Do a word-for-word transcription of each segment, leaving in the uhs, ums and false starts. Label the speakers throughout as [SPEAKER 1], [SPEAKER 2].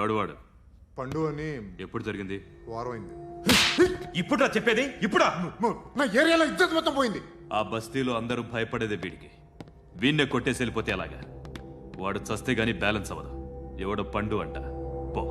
[SPEAKER 1] ఎవడు వాడు?
[SPEAKER 2] పండు అని.
[SPEAKER 1] ఎప్పుడు జరిగింది?
[SPEAKER 2] వారం అయింది.
[SPEAKER 1] ఇప్పుడా చెప్పేది? ఇప్పుడా?
[SPEAKER 2] నా ఏరియాలో ఇజ్జత్ మొత్తం పోయింది.
[SPEAKER 1] ఆ బస్తీలో అందరూ భయపడేదే వీడికి. వీణ్ణే కొట్టేసి వెళ్ళిపోతే అలాగా. వాడు చస్తే గానీ బ్యాలెన్స్ అవ్వదు. ఎవడో పండు అంట. పో.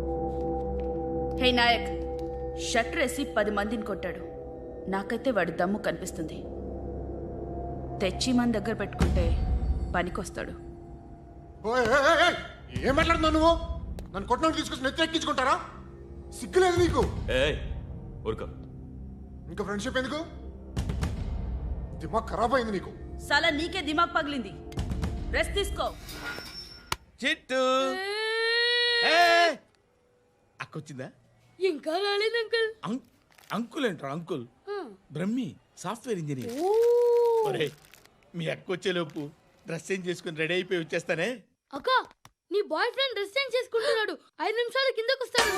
[SPEAKER 3] హే నాయక్, షట్టర్ వేసి పది మందిని కొట్టాడు. నాకైతే వాడి దమ్ము కనిపిస్తుంది. తెచ్చి మన దగ్గర పెట్టుకుంటే పనికొస్తాడు.
[SPEAKER 2] ఏం మాట్లాడుతున్నావు నువ్వు? నన్ను కొట్టడానికి తీసుకొచ్చి నెత్తి ఎక్కించుకుంటారా? సిగ్గులేదు నీకు?
[SPEAKER 1] ఊరుకో.
[SPEAKER 2] ఇంకా ఫ్రెండ్షిప్ ఎందుకు? దిమాగ్ ఖరాబ్ అయింది నీకు.
[SPEAKER 3] సలా నీకే దిమాగ్ పగిలింది. రెస్ట్ తీసుకో.
[SPEAKER 4] చిట్టు అక్కొచ్చిందా?
[SPEAKER 5] ఇంకా రాలేదు అంకుల్.
[SPEAKER 4] అంకుల్ ఏంట్రా అంకుల్? Brahmi software engineer. ఒరే మీ అక్క వచ్చేలోపు డ్రెస్ చేంజ్ చేసుకుని రెడీ అయిపోయి వచ్చేస్తానే.
[SPEAKER 5] అక్క, నీ బాయ్ ఫ్రెండ్ డ్రెస్ చేంజ్ చేసుకుంటున్నాడు. ఐదు నిమిషాలు కిందకు వస్తాడు.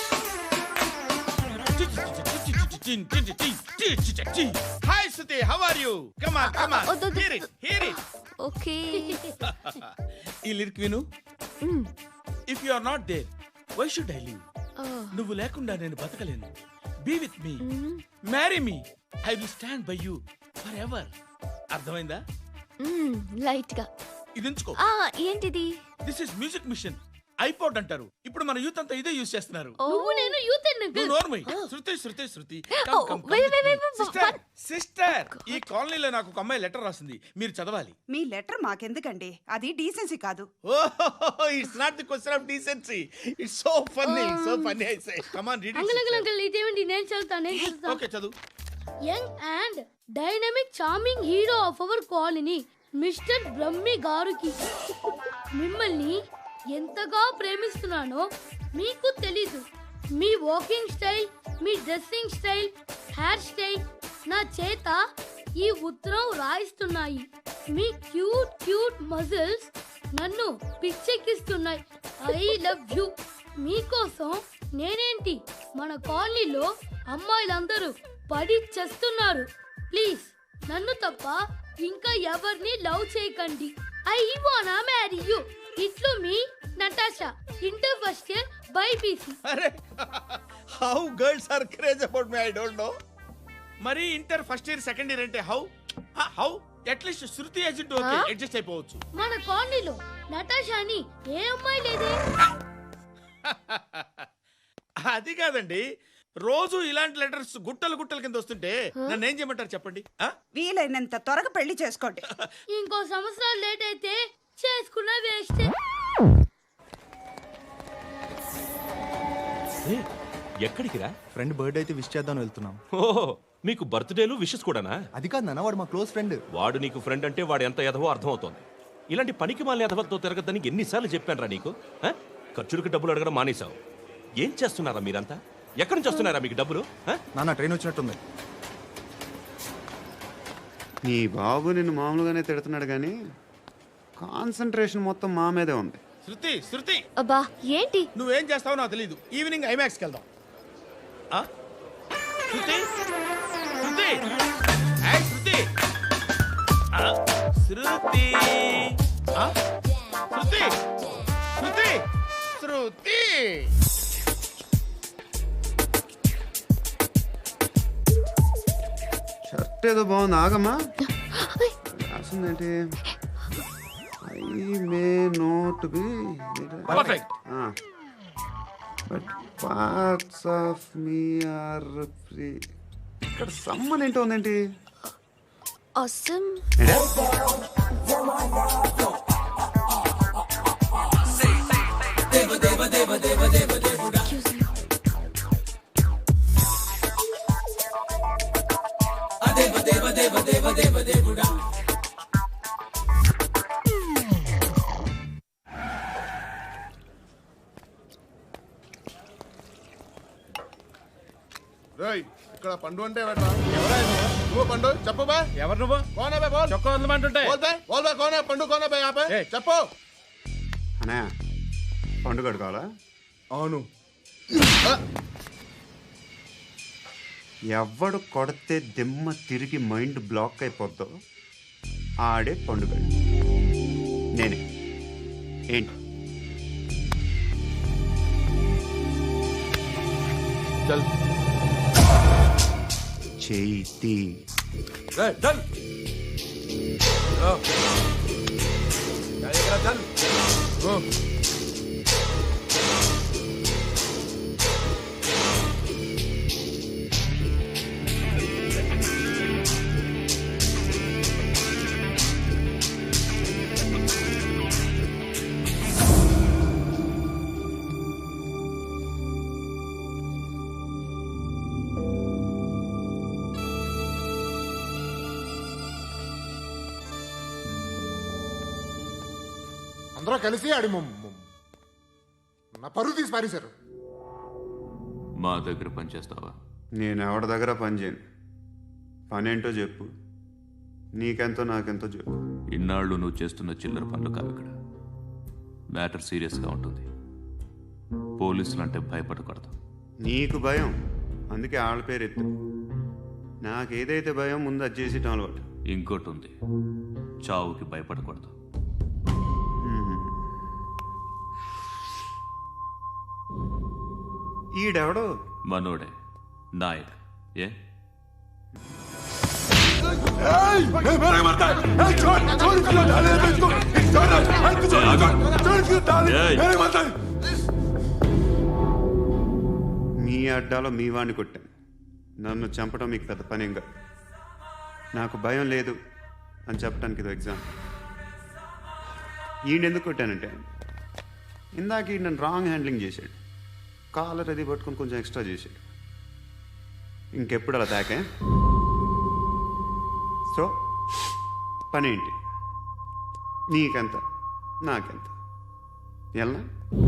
[SPEAKER 4] Hi Suthi, how are you? Come on come on, hear it hear it.
[SPEAKER 5] Okay.
[SPEAKER 4] ఈ లిరిక్ విను. If you are not there why should I live? నువ్వు లేకుండా నేను బతకలేను. Be with me, marry me, I will stand by you forever. అర్థమైందా?
[SPEAKER 5] Light గా
[SPEAKER 4] ఇది ఉంచుకో.
[SPEAKER 5] ఏంటిది?
[SPEAKER 4] This is music machine. IPod అంటారు. ఇప్పుడు మన యూత్ అంతా ఇదే యూజ్ చేస్తున్నారు.
[SPEAKER 5] నువ్వు నేను యూత్
[SPEAKER 4] నోర్మై. శృతి శృతి శృతి సిస్టర్ సిస్టర్ ఈ కాలనీలో నాకు ఒక అమ్మాయి లెటర్ రాసింది. మీరు చదవాలి.
[SPEAKER 6] మీ లెటర్ మాకెందుకండి? అది డీసెన్సీ కాదు.
[SPEAKER 4] ఓహో, it's not the question of decency. It's so funny, so funny. I say come on read it.
[SPEAKER 5] Uncle uncle uncle ఇదేంటి? నేను చదువుతా నేను చదువుతా.
[SPEAKER 4] ఓకే చదువు.
[SPEAKER 5] Young and dynamic charming hero of our colony mister Brahmi గారికి మిమ్మల్ని ఎంతగా ప్రేమిస్తున్నానో మీకు తెలీదు. మీ వాకింగ్ స్టైల్, మీ డ్రెస్సింగ్ స్టైల్, హెయిర్ స్టైల్ నా చేత ఈ ఉత్తరం రాయిస్తున్నాయి. మీ క్యూట్ క్యూట్ మజిల్స్ నన్ను పిచ్చెక్కిస్తున్నాయి. I love you. మీకోసం నేనేంటి, మన కాలనీలో అమ్మాయిలందరూ పడి చేస్తున్నారు. ప్లీజ్ నన్ను తప్ప ఇంకా ఎవరిని లవ్ చేయకండి. ఐ వానా మ్యారీ యూ. ఇట్లు మీ Natasha, inter first year BiPC.
[SPEAKER 4] అరే how girls are craze about me I don't know. మరి inter first year second year అంటే how how at least Shruti agent okay adjust అయిపోవచ్చు.
[SPEAKER 5] మన కాలనీలో నటాషా అని ఏ అమ్మాయి లేదే.
[SPEAKER 4] అది కాదండి, రోజు ఇలాంటి లెటర్స్ గుట్టలు గుట్టల కింద వస్తుంటే నన్ను ఏం చేయమంటారు చెప్పండి?
[SPEAKER 6] వీలైనంత త్వరగా పెళ్లి చేసుకోండి.
[SPEAKER 5] ఇంకో సంవత్సరాలు లేట్ అయితే చేసుకున్న వేస్ట్.
[SPEAKER 7] ఎక్కడికి రా?
[SPEAKER 8] ఫ్రెండ్ బర్త్డే అయితే విష్ చేద్దాం వెళ్తున్నాం.
[SPEAKER 7] ఓహో, మీకు బర్త్డేలు విషెస్ కూడానా?
[SPEAKER 8] అది కాదు నాన్న, వాడు మా క్లోజ్ ఫ్రెండ్.
[SPEAKER 7] వాడు నీకు ఫ్రెండ్ అంటే వాడు ఎంత ఎదవో అర్థమవుతోంది. ఇలాంటి పనికి మాలిన ఎదవతో తిరగద్దని ఎన్నిసార్లు చెప్పాను రా నీకు? ఖర్చులకు డబ్బులు అడగడం మానేశావు. ఏం చేస్తున్నారా మీరంతా? ఎక్కడి నుంచి వస్తున్నారా మీకు డబ్బులు?
[SPEAKER 8] నాన్న ట్రైన్ వచ్చినట్టుంది.
[SPEAKER 9] నీ బాబు నిన్ను మామూలుగానే తిడుతున్నాడు కానీ కాన్సంట్రేషన్ మొత్తం మా మీదే ఉంది.
[SPEAKER 4] శృతి శృతి
[SPEAKER 5] అబ్బా ఏంటి?
[SPEAKER 4] నువ్వేం చేస్తావో నాకు తెలీదు. ఈవినింగ్ ఐమాక్స్కి వెళ్దాం. శృతి శృతి శృతి శృతి శృతి శృతి శృతి
[SPEAKER 9] షర్ట్ ఏదో బాగుంది, ఆగమ్మా. రాసిందేంటి? I may not be
[SPEAKER 4] perfect
[SPEAKER 9] but parts of me are free. ఇక్కడ సమ్మన్ ఏంటో ఉందేంటి?
[SPEAKER 5] awesome.
[SPEAKER 2] ఇక్కడ పండు అంటే నువ్వు పండు చెప్పు బా.
[SPEAKER 4] ఎవరు నువ్వు?
[SPEAKER 2] కోనా బే బోల్.
[SPEAKER 4] చొక్కా వదలమంటుంటే
[SPEAKER 2] బోల్ బే బోల్ బే కోనా పండు కోనా బే ఆపే చెప్పు.
[SPEAKER 9] అనే పండు కడుకోవాలా?
[SPEAKER 2] అవును.
[SPEAKER 9] ఎవడు కొడితే దిమ్మ తిరిగి మైండ్ బ్లాక్ అయిపోద్దో ఆడే పండుగ. నేనే. ఏంటి
[SPEAKER 4] చల్
[SPEAKER 9] చేతి
[SPEAKER 4] రే చల్ ఓ చల్ ఇక్కడ చల్ ఓ
[SPEAKER 2] అందరూ కలిసి ఆడి మొ- మొ- నా పరువు తీసి పారేశారు.
[SPEAKER 1] మా దగ్గర పనిచేస్తావా?
[SPEAKER 9] నేను ఎవరి దగ్గర పని చేయను. పనేంటో చెప్పు. నీకెంతో నాకెంతో చెప్పు.
[SPEAKER 1] ఇన్నాళ్ళు నువ్వు చేస్తున్న చిల్లర పనులు కావు ఇక్కడ. మ్యాటర్ సీరియస్గా ఉంటుంది. పోలీసులు అంటే భయపడకూడదు.
[SPEAKER 9] నీకు భయం, అందుకే ఆళ్ళ పేరు ఎత్తు. నాకేదైతే భయం ముందు అది చేసేటం అలవాటు.
[SPEAKER 1] ఇంకోటి ఉంది, చావుకి భయపడకూడదు.
[SPEAKER 9] ఈడెవడో
[SPEAKER 1] మనోడే నాయక్. ఏ
[SPEAKER 9] మీ అడ్డాలో మీ వాడిని కొట్టాను. నన్ను చంపడం మీకు పెద్ద పనేం కాదు. నాకు భయం లేదు అని చెప్పడానికి ఇది ఎగ్జామ్. ఈయనెందుకు కొట్టానంటే ఇందాక ఈ నన్ను రాంగ్ హ్యాండ్లింగ్ చేశాడు. కాలర్ అది పట్టుకొని కొంచెం ఎక్స్ట్రా చేశాడు. ఇంకెప్పుడు అలా తాకే. సో పనేంటి? నీకెంత నాకెంత ఎలా?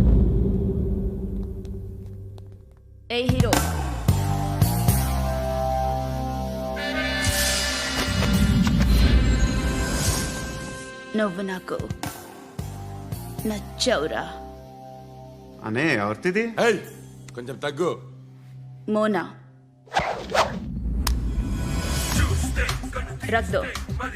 [SPEAKER 3] ఏ హీరో, నువ్వు నాకు నచ్చవురా.
[SPEAKER 9] అనే ఎవరిది?
[SPEAKER 4] ఏయ్ కొంచెం తగ్గు.
[SPEAKER 3] మోనా రక్ దో.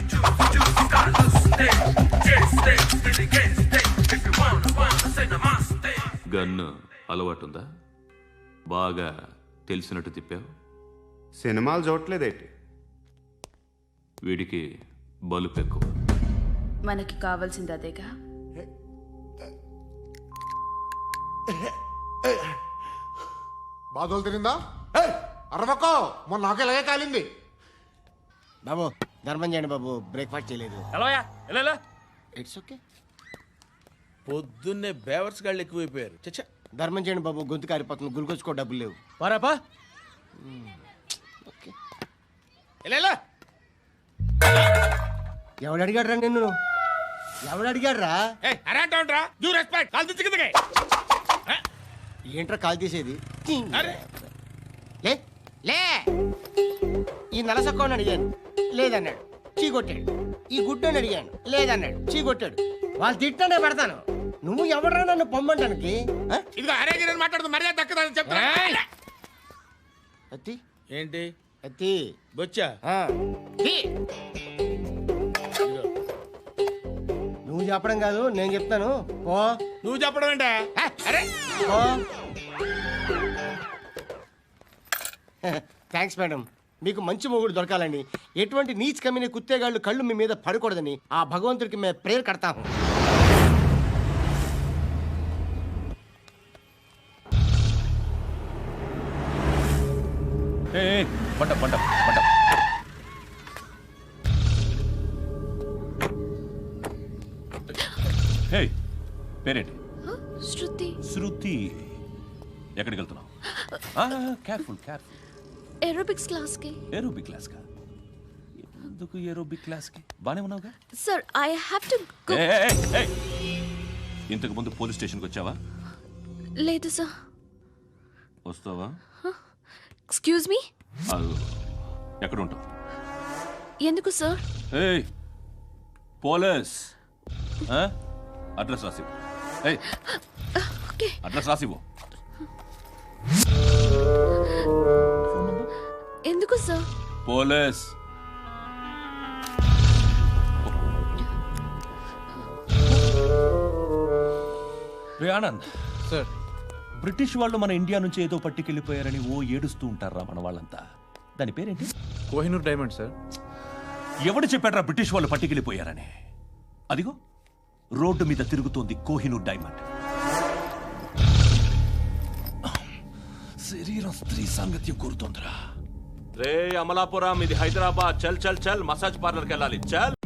[SPEAKER 1] గన్ను అలవాటుందా? బాగా తెలిసినట్టు తిప్పావు.
[SPEAKER 9] సినిమాలు చూడట్లేదేంటి?
[SPEAKER 1] వీడికి బలుపు ఎక్కువ.
[SPEAKER 3] మనకి కావాల్సింది అదేగా.
[SPEAKER 2] బాధలు తిరిందా? అరవకో, మొన్న నాకు ఇలాగే కాలింది.
[SPEAKER 10] బాబు ధర్మం చేయండి బాబు, బ్రేక్ఫాస్ట్ చేయలేదు. It's okay.
[SPEAKER 4] పొద్దున్నే బేవర్స్ గాళ్ళు ఎక్కువైపోయారు. చచ్చా
[SPEAKER 10] ధర్మం చేయండి బాబు, గొంతు కారిపోతుంది, గురికొచ్చుకో డబ్బులు లేవు.
[SPEAKER 4] పారాపా.
[SPEAKER 10] ఓకే.
[SPEAKER 4] ఎవడు
[SPEAKER 10] అడిగాడు రా నిన్ను? ఎవడు అడిగాడు రా? ఏంట్రా కాల్ తీసేది? లే లే ఈ నలసక్కని అడిగాను, లేదన్నాడు, చీ కొట్టాడు. ఈ గుడ్డని అడిగాను, లేదన్నాడు, చీ కొట్టాడు. వాళ్ళు తిట్టానే పడతాను. నువ్వు ఎవడరా నన్ను పొమ్మంటానికి?
[SPEAKER 4] మాట్లాడుతూ మర్యాద దక్కదని చెప్తా.
[SPEAKER 10] అత్తి
[SPEAKER 4] ఏంటి
[SPEAKER 10] అత్తి
[SPEAKER 4] బొచ్చా?
[SPEAKER 10] ఆ. తీ. నువ్వు చెప్పడం కాదు, నేను చెప్తాను. ఓ
[SPEAKER 4] నువ్వు చెప్పడం ఏంటా? అరే
[SPEAKER 10] ఓ థ్యాంక్స్ మేడం. మీకు మంచి మొగుడు దొరకాలని, ఎటువంటి నీచ్ కమ్మిన కుత్తేగాళ్ళు కళ్ళు మీ మీద పడకూడదని ఆ భగవంతుడికి మేము ప్రేయర్ కడతాము.
[SPEAKER 7] పంట పంట పంట హే పేరేంటి?
[SPEAKER 11] శృతి.
[SPEAKER 7] శృతి. ఎక్కడికి వెళ్తున్నావు? Careful careful.
[SPEAKER 11] ఏరోబిక్స్ క్లాస్ కి.
[SPEAKER 7] ఏరోబిక్ క్లాస్ కా? ఎందుకు ఏరోబిక్ క్లాస్ కి? బానే ఉన్నావుగా?
[SPEAKER 11] Sir I have to go.
[SPEAKER 7] ఇంతకు ముందు పోలీస్ స్టేషన్కి వచ్చావా?
[SPEAKER 11] లేదు సార్.
[SPEAKER 7] వస్తావా?
[SPEAKER 11] Excuse me.
[SPEAKER 7] ఎక్కడ ఉంటావు?
[SPEAKER 11] ఎందుకు సార్?
[SPEAKER 7] ఏయ్ పోలీస్, అడ్రస్ రాసివ్వు. ఏయ్
[SPEAKER 11] ఓకే,
[SPEAKER 7] అడ్రస్ రాసివ్వు.
[SPEAKER 11] ఎందుకు సార్?
[SPEAKER 7] పోలీస్. రే ఆనంద్
[SPEAKER 8] సార్,
[SPEAKER 7] బ్రిటిష్ వాళ్ళు మన ఇండియా నుంచి ఏదో పట్టుకెళ్ళిపోయారని ఓ ఏడుస్తూ ఉంటారా మన వాళ్ళంతా. దాని పేరేంటి?
[SPEAKER 8] Kohinoor diamond sir.
[SPEAKER 7] ఎవడు చెప్పాడ్రా బ్రిటిష్ వాళ్ళు పట్టుకెళ్ళిపోయారని? అదిగో రోడ్డు మీద తిరుగుతోంది కోహినూర్ డైమండ్. శరీరం స్త్రీ సాంగత్యం కోరుతోందిరా. రే అమలాపురం, ఇది హైదరాబాద్. చల్ చల్ చల్ మసాజ్ పార్లర్కి వెళ్ళాలి. చల్.